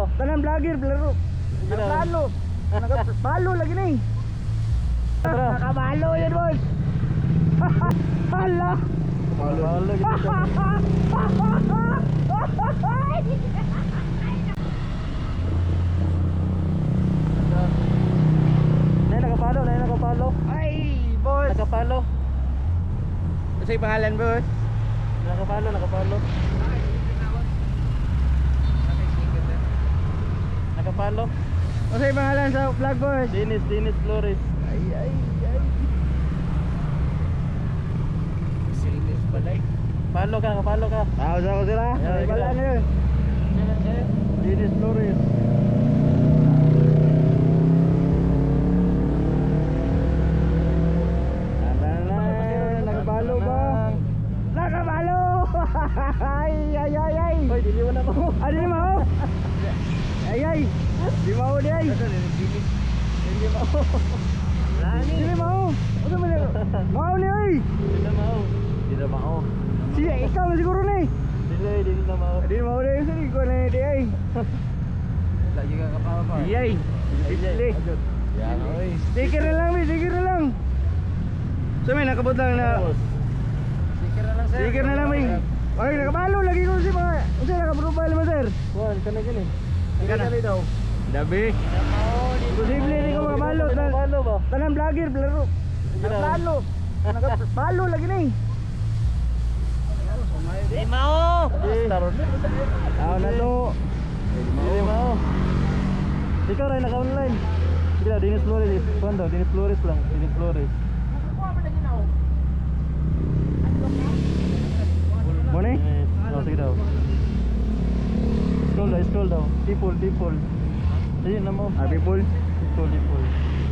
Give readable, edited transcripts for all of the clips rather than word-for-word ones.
Tanan vlogger, blaro. Nagplano. Nagpalo lagi ni. Nakabalo yan, boss. Hala. Palo gitu. Nakapalo. Ay, boss. Nakapalo. Ano yung pangalan, boss? Nakapalo. Nakapalo. Ano yung pangalan sa vlog, boss? Dennis Flores. Ay. Dennis balay. Kapalo ka. Taos ako sila. Ay, Wala gila. na yun. Dennis Flores. Nakabalo ba? Nakabalo! Ay. Hoy, dili mo na mo. Ano ni mo? Ay. Di mo di ay. Dili mo. Di mo. Ano man yun? Mau ni ay. Dili na mao. Siya, ikaw na siguro ni. Dili na mao. Di mo di ay. Sige ko na di ay. Lagi ka kapawa pa. Di ay. Di. Yan oy. Sticker na lang, sticker na lang. So may nakabot lang na. Sticker na lang sir. Sticker na lang may. Ay, nakabalo lagi ko si mga. Unsa naka-profile mo sir? Kuan kana gani. Kana. daw. Dabi. Posible ni ko makabalo. Nakapalo ba? Tanan vlogger, blaro. Nakabalo. Nakabalo lagi ni. Di mao. Taron. Tao na to. Dili mao. Ikaw rin naka-online. Sige daw, Dennis Flores. Kuan daw, Dennis Flores lang. Dennis Flores. Mo ni? Oh, sige daw. Scroll daw. People. Ayun na mo. People. People.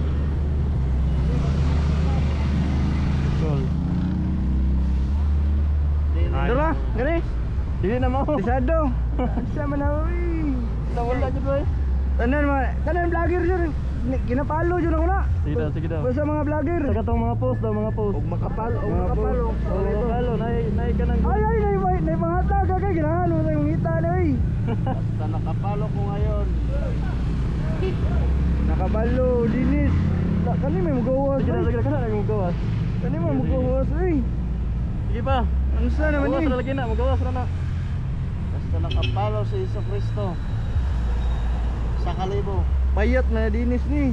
Scroll. Dala, gani. Dili na mo. Bisado. Sa manawi. Nawala jud boy. Tanan vlogger sir. Ginapalo jud ako na. Sige daw. Sa mga vlogger. Saka tong mga post daw, mga post. Makapalo. Makapalo, nay ka nang. Ay, nay mga taga kay ginahan mo yung ngita na eh. Basta nakapalo ko ngayon. Nakabalo, dinis. Kani may magawas. Sige kana nang magawas. Kani may magawas eh. Sige pa. Ano sa naman Magawas ni? ra lagi na, magawas ra na. Basta nakapalo si Jesucristo. Sa kalibo. Payat na dinis ni.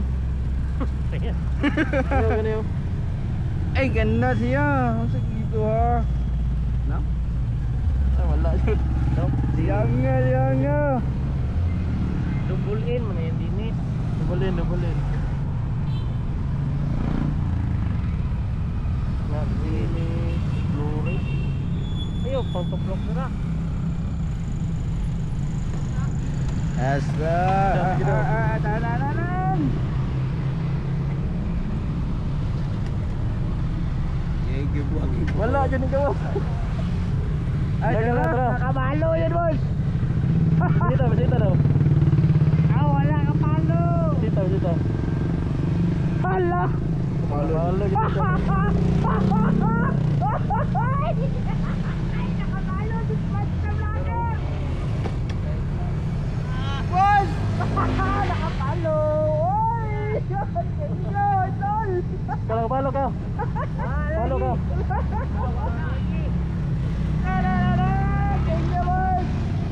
Ganyo. Ay, ganda siya. Masa gitu ha. No? Ay wala jud. No. Sianga. Double in man yan dinis. Double in. Dinis Flores. Ayo, pang-toplok na. Asa. Tananan. Wala jud ni gawas. Ay, tara. Nakabalo yan, boss. Bisita daw. Wala kapalo. Bisita. Hala. Kapalo gitu. Boss! Nakapalo! Oy! Tol! Kalau palo ka. Palo ka. Tingnan, boss!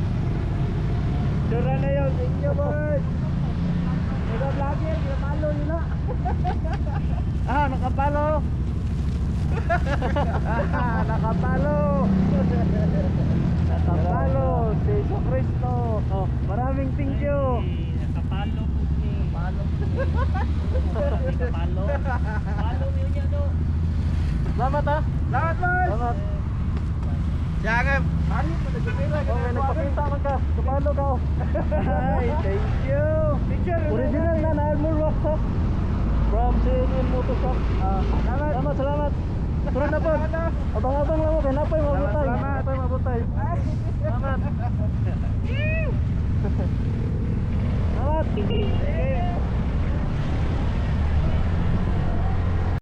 Dura na yun, tingnan, boss! Ito vlogger, nakapalo yun na! Nakapalo. Nakapalo! Nakapalo! Si Jesucristo! Oh, maraming thank you! Nakapalo po ni. Nakapalo. Palo niyo niya do. Salamat ha. Salamat, boss! Salamat. Siya paano mo nagpapila ka? Okay, nagpakita man ka. Kapalo ka. Ay, thank you! Picture! Original na Nagmul Workshop from CNN Motorshop. Salamat. Turun na po. Abang-abang lang mo. Kaya napay mabutay. Salamat. Napay mabutay. Salamat. Salamat.